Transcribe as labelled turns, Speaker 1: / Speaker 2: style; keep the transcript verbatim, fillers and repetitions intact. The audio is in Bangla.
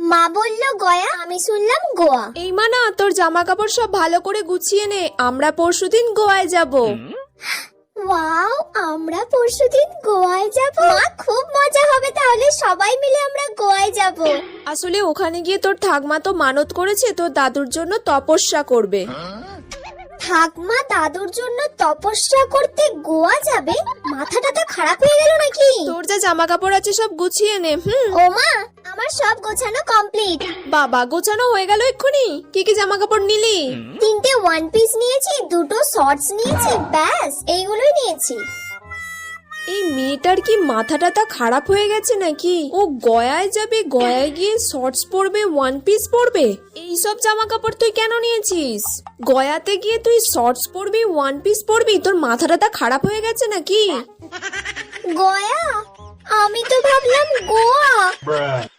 Speaker 1: মা বললো গয়া, আমি শুনলাম গোয়া।
Speaker 2: এই মানা, তোর জামা কাপড় সব ভালো করে গুছিয়ে নে, আমরা পরশুদিন গোয়ায় যাব।
Speaker 1: ওয়াও, আমরা পরশুদিন গোয়ায় যাব। মা, খুব মজা হবে তাহলে, সবাই মিলে আমরা গোয়ায় যাব।
Speaker 2: আসলে ওখানে গিয়ে তোর ঠাকমা তো মানত করেছে তোর দাদুর জন্য তপস্যা করবে।
Speaker 1: ঠাকমা দাদুর জন্য তপস্যা করতে গোয়া যাবে? মাথাটা তো খারাপ হয়ে গেল নাকি?
Speaker 2: তোর যা জামা কাপড় আছে সব গুছিয়ে নে। হুম।
Speaker 1: ও মা, আমার সব গোছানো কমপ্লিট।
Speaker 2: বাবা, গোছানো হয়ে গেল এক্ষুনি? কি কি জামা কাপড় নিলি?
Speaker 1: তিনটে ওয়ান পিস নিয়েছি, দুটো শর্টস নিয়েছি, ব্যাস এইগুলোই নিয়েছি।
Speaker 2: এই মেয়েটার কি মাথাটা তা খারাপ হয়ে গেছে নাকি? ও গয়ায় যাবে, গয়ায় গিয়ে শর্টস পরবে, ওয়ান পিস পরবে? এইসব জামা কাপড় তুই কেন নিয়েছিস? গয়াতে গিয়ে তুই শর্টস পরবি, ওয়ান পিস পরবি? তোর মাথাটা তা খারাপ হয়ে গেছে নাকি?
Speaker 1: গয়া? আমি তো ভাবলাম গোয়া।